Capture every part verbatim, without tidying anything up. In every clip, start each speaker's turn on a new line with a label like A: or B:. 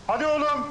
A: Hadi oğlum.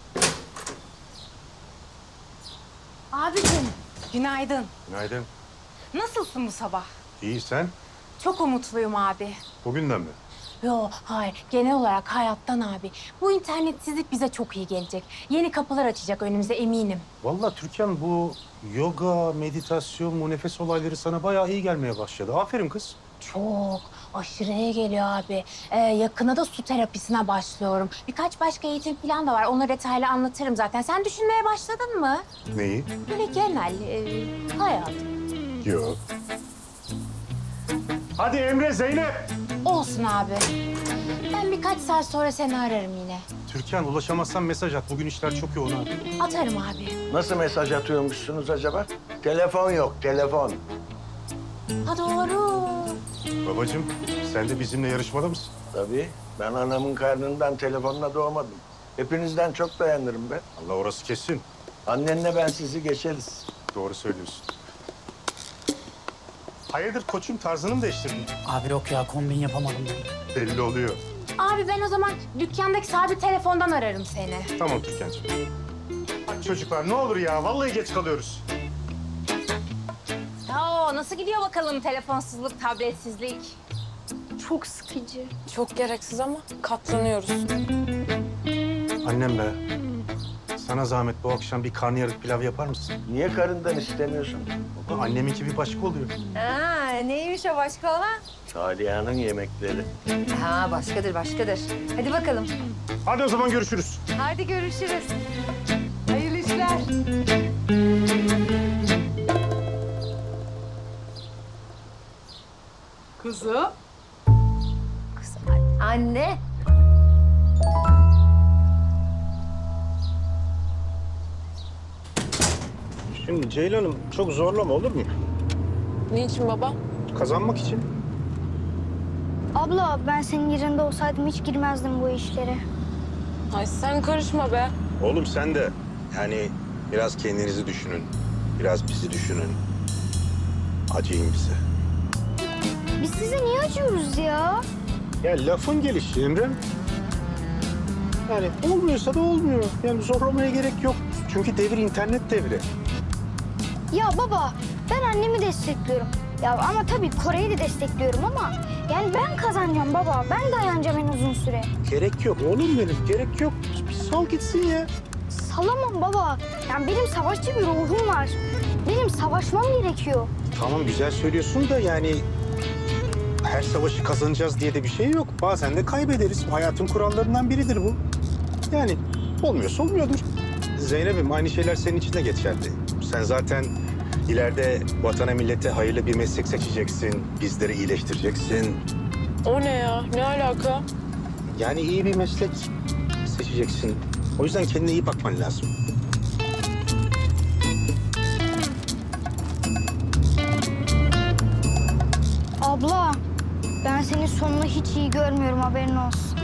B: Abicim, günaydın.
A: Günaydın.
B: Nasılsın bu sabah?
A: İyi sen?
B: Çok umutluyum abi.
A: Bugünden mi?
B: Yo, hayır. Genel olarak hayattan abi. Bu internetsizlik bize çok iyi gelecek. Yeni kapılar açacak önümüze eminim.
A: Vallahi Türkan bu yoga, meditasyon, bu nefes olayları sana bayağı iyi gelmeye başladı. Aferin kız.
B: Çok, aşırı iyi geliyor abi. Ee, yakına da su terapisine başlıyorum. Birkaç başka eğitim falan da var. Onları detaylı anlatırım zaten. Sen düşünmeye başladın mı?
A: Neyi?
B: Böyle genel, e, hayat.
A: Yok. Hadi Emre, Zeynep.
B: Olsun abi. Ben birkaç saat sonra seni ararım yine.
A: Türkan ulaşamazsan mesaj at. Bugün işler çok yoğun abi.
B: Atarım abi.
C: Nasıl mesaj atıyormuşsunuz acaba? Telefon yok, telefon.
B: Ha doğru.
A: Babacığım sen de bizimle yarışmada mısın?
C: Tabii, ben anamın karnından telefonla doğmadım. Hepinizden çok dayanırım ben.
A: Allah orası kesin.
C: Annenle ben sizi geçeriz.
A: Doğru söylüyorsun. Hayırdır koçum tarzını mı değiştirdin?
D: Abi yok ya kombin yapamadım ben.
A: Belli oluyor.
B: Abi ben o zaman dükkandaki sabit telefondan ararım seni.
A: Tamam Türkan'cığım. Hadi çocuklar ne olur ya vallahi geç kalıyoruz.
B: Oo, nasıl gidiyor bakalım telefonsuzluk, tabletsizlik?
E: Çok sıkıcı.
F: Çok gereksiz ama katlanıyoruz.
A: Annem be. Sana zahmet bu akşam bir karnıyarık pilav yapar mısın?
C: Niye karından istemiyorsun?
A: Baba anneminki bir başka oluyor.
F: Ha, neymiş o başka olan?
C: Saliha'nın yemekleri.
F: Ha, başkadır, başkadır. Hadi bakalım.
A: Hadi o zaman görüşürüz.
F: Hadi görüşürüz. Hayırlı işler.
E: Kızım.
F: Kız, anne.
A: Şimdi Ceylan'ım çok zorlama olur mu?
F: Niçin baba?
A: Kazanmak için.
E: Abla ben senin yerinde olsaydım hiç girmezdim bu işlere.
F: Ay sen karışma be.
A: Oğlum sen de yani biraz kendinizi düşünün. Biraz bizi düşünün. Acıyın bize.
E: Biz size niye acıyoruz ya?
A: Ya lafın gelişi Emre'm. Yani olmuyorsa da olmuyor. Yani zorlamaya gerek yok. Çünkü devir internet devri.
E: Ya baba ben annemi destekliyorum. Ya ama tabii Kore'yi de destekliyorum ama yani ben kazanacağım baba. Ben dayanacağım en uzun süre.
A: Gerek yok oğlum benim. Gerek yok. Bir sal gitsin ya.
E: Salamam baba. Yani benim savaşçı bir ruhum var. Benim savaşmam gerekiyor.
A: Tamam güzel söylüyorsun da yani her savaşı kazanacağız diye de bir şey yok. Bazen de kaybederiz. Hayatın kurallarından biridir bu. Yani olmuyorsa olmuyordur. Zeynep'im aynı şeyler senin için de geçerli. Sen zaten ileride vatana millete hayırlı bir meslek seçeceksin. Bizleri iyileştireceksin.
F: O ne ya? Ne alaka?
A: Yani iyi bir meslek seçeceksin. O yüzden kendine iyi bakman lazım.
E: Abla ben senin sonunu hiç iyi görmüyorum haberin olsun.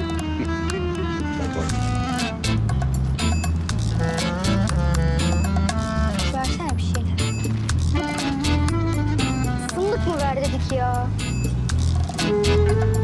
E: Versene bir şeyler. Fındık mı ver dedik ya?